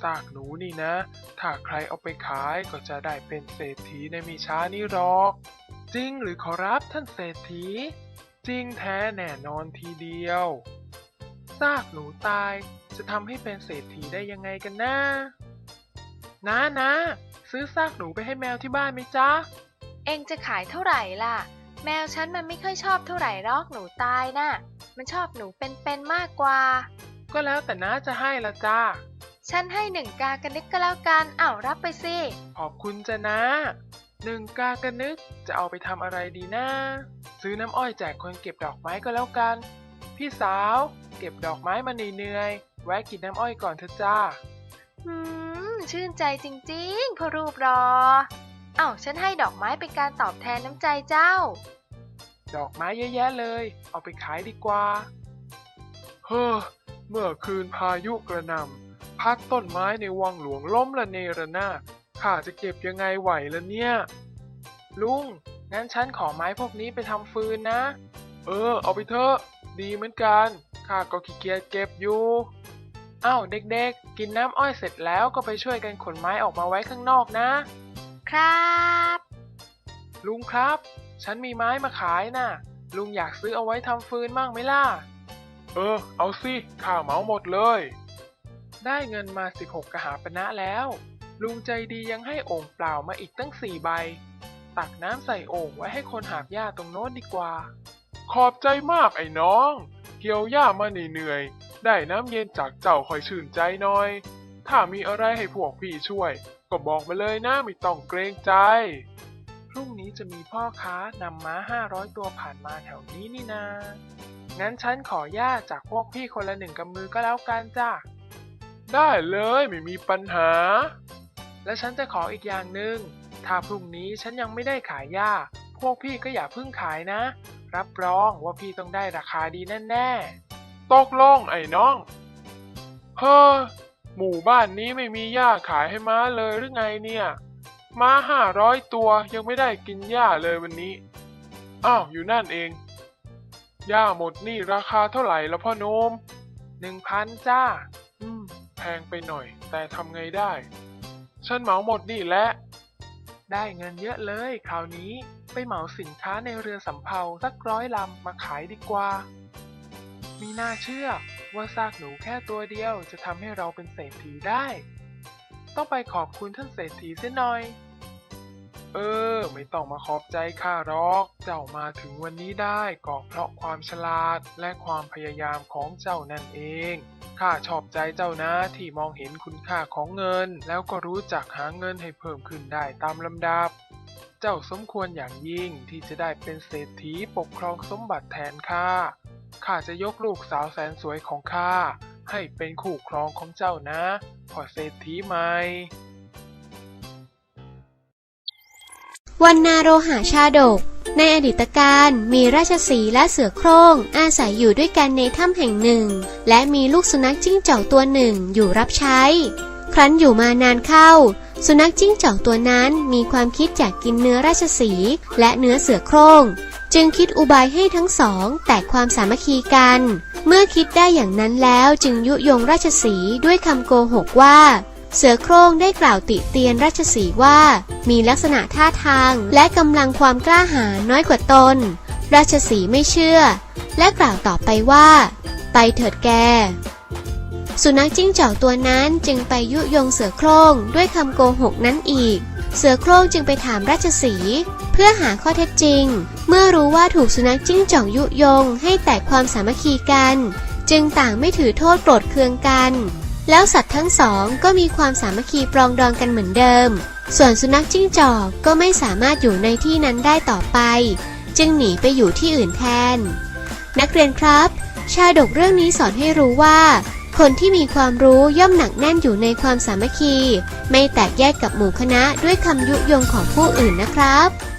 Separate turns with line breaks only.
ากหนูนี่นะถ้าใครเอาไปขายก็จะได้เป็นเศรษฐีในไม่ช้านี้หรอกจริงหรือขอรับท่านเศรษฐีจริงแท้แน่นอนทีเดียวซากหนูตายจะทำให้เป็นเศรษฐีได้ยังไงกันนะนะซื้อซากหนูไปให้แมวที่บ้านไหมจ๊ะ
เองจะขายเท่าไหร่ล่ะแมวฉันมันไม่ค่อยชอบเท่าไหร่หรอกหนูตายน่ะมันชอบหนูเป็นมากกว่า
ก็แล้วแต่น้าจะให้ละจ้า
ฉันให้1 กากระนึกก็แล้วกันรับไปสิ
ขอบคุณจ้ะนะ1 กากระนึกจะเอาไปทำอะไรดีนะซื้อน้ำอ้อยแจกคนเก็บดอกไม้ก็แล้วกันพี่สาวเก็บดอกไม้มาเหนื่อยๆแวะกินน้ำอ้อยก่อนเถอะจ้า
ชื่นใจจริงๆพ่อรูปรอฉันให้ดอกไม้เป็นการตอบแทนน้ำใจเจ้า
ดอกไม้เยอะแยะเลยเอาไปขายดีกว่าเฮ้อเมื่อคืนพายุกระหน่ำพัดต้นไม้ในวังหลวงล้มระเนระนาดข้าจะเก็บยังไงไหวล่ะเนี่ยลุงงั้นฉันขอไม้พวกนี้ไปทำฟืนนะเอาไปเถอะดีเหมือนกันข้าก็ขี้เกียจเก็บอยู่เด็กๆกินน้ำอ้อยเสร็จแล้วก็ไปช่วยกันขนไม้ออกมาไว้ข้างนอก
นะครับ
ลุงครับฉันมีไม้มาขายน่ะลุงอยากซื้อเอาไว้ทำฟืนมั่งไหมล่ะเอาสิข้าเหมาหมดเลยได้เงินมา16 กหาปณะแล้วลุงใจดียังให้โอ่งเปล่ามาอีกตั้ง4 ใบตักน้ำใส่โอ่งไว้ให้คนหาบหญ้าตรงโน้นดีกว่าขอบใจมากไอ้น้องเกี่ยวหญ้ามาเหนื่อยได้น้ำเย็นจากเจ้าคอยชื่นใจหน่อยถ้ามีอะไรให้พวกพี่ช่วยก็บอกมาเลยนะไม่ต้องเกรงใจพรุ่งนี้จะมีพ่อค้านำม้า500 ตัวผ่านมาแถวนี้นี่นางั้นฉันขอหญ้าจากพวกพี่คนละ1 กำมือก็แล้วกันจ้ะได้เลยไม่มีปัญหาและฉันจะขออีกอย่างหนึ่งถ้าพรุ่งนี้ฉันยังไม่ได้ขายหญ้าพวกพี่ก็อย่าเพิ่งขายนะรับรองว่าพี่ต้องได้ราคาดีแน่ๆตกลงไอ้น้องหมู่บ้านนี้ไม่มีหญ้าขายให้ม้าเลยหรือไงเนี่ยม้า500 ตัวยังไม่ได้กินหญ้าเลยวันนี้อยู่นั่นเองหญ้าหมดนี่ราคาเท่าไหร่แล้วพ่อโนม1,000จ้าแพงไปหน่อยแต่ทำไงได้ฉันเหมาหมดนี่แหละได้เงินเยอะเลยคราวนี้ไปเหมาสินค้าในเรือสำเภาสัก100 ลำมาขายดีกว่ามีน่าเชื่อว่าซากหนูแค่ตัวเดียวจะทำให้เราเป็นเศรษฐีได้ต้องไปขอบคุณท่านเศรษฐีเสียหน่อยไม่ต้องมาขอบใจข้าหรอกเจ้ามาถึงวันนี้ได้ก็เพราะความฉลาดและความพยายามของเจ้านั่นเองข้าชอบใจเจ้านะที่มองเห็นคุณค่าของเงินแล้วก็รู้จักหาเงินให้เพิ่มขึ้นได้ตามลำดับเจ้าสมควรอย่างยิ่งที่จะได้เป็นเศรษฐีปกครองสมบัติแทนข้าจะยกลูกสาวแสนสวยของข้าให้เป็นคู่ครองของเจ้านะพ่อเศรษฐีใหม่
วรรณโรหชาดกในอดีตการมีราชสีห์และเสือโคร่งอาศัยอยู่ด้วยกันในถ้ำแห่งหนึ่งและมีลูกสุนัขจิ้งจอกตัวหนึ่งอยู่รับใช้ครั้นอยู่มานานเข้าสุนัขจิ้งจอกตัวนั้นมีความคิดอยากกินเนื้อราชสีห์และเนื้อเสือโคร่งจึงคิดอุบายให้ทั้งสองแตกความสามัคคีกันเมื่อคิดได้อย่างนั้นแล้วจึงยุยงราชสีห์ด้วยคำโกหกว่าเสือโคร่งได้กล่าวติเตียนราชสีห์ว่ามีลักษณะท่าทางและกำลังความกล้าหาญน้อยกว่าตนราชสีห์ไม่เชื่อและกล่าวต่อไปว่าไปเถิดแกสุนัขจิ้งจอกตัวนั้นจึงไปยุยงเสือโคร่งด้วยคำโกหกนั้นอีกเสือโคร่งจึงไปถามราชสีห์เพื่อหาข้อเท็จจริงเมื่อรู้ว่าถูกสุนัขจิ้งจอกยุยงให้แตกความสามัคคีกันจึงต่างไม่ถือโทษโกรธเคืองกันแล้วสัตว์ทั้งสองก็มีความสามัคคีปรองดองกันเหมือนเดิมส่วนสุนัขจิ้งจอกก็ไม่สามารถอยู่ในที่นั้นได้ต่อไปจึงหนีไปอยู่ที่อื่นแทนนักเรียนครับชาดกเรื่องนี้สอนให้รู้ว่าคนที่มีความรู้ย่อมหนักแน่นอยู่ในความสามัคคีไม่แตกแยกกับหมู่คณะด้วยคำยุยงของผู้อื่นนะครับ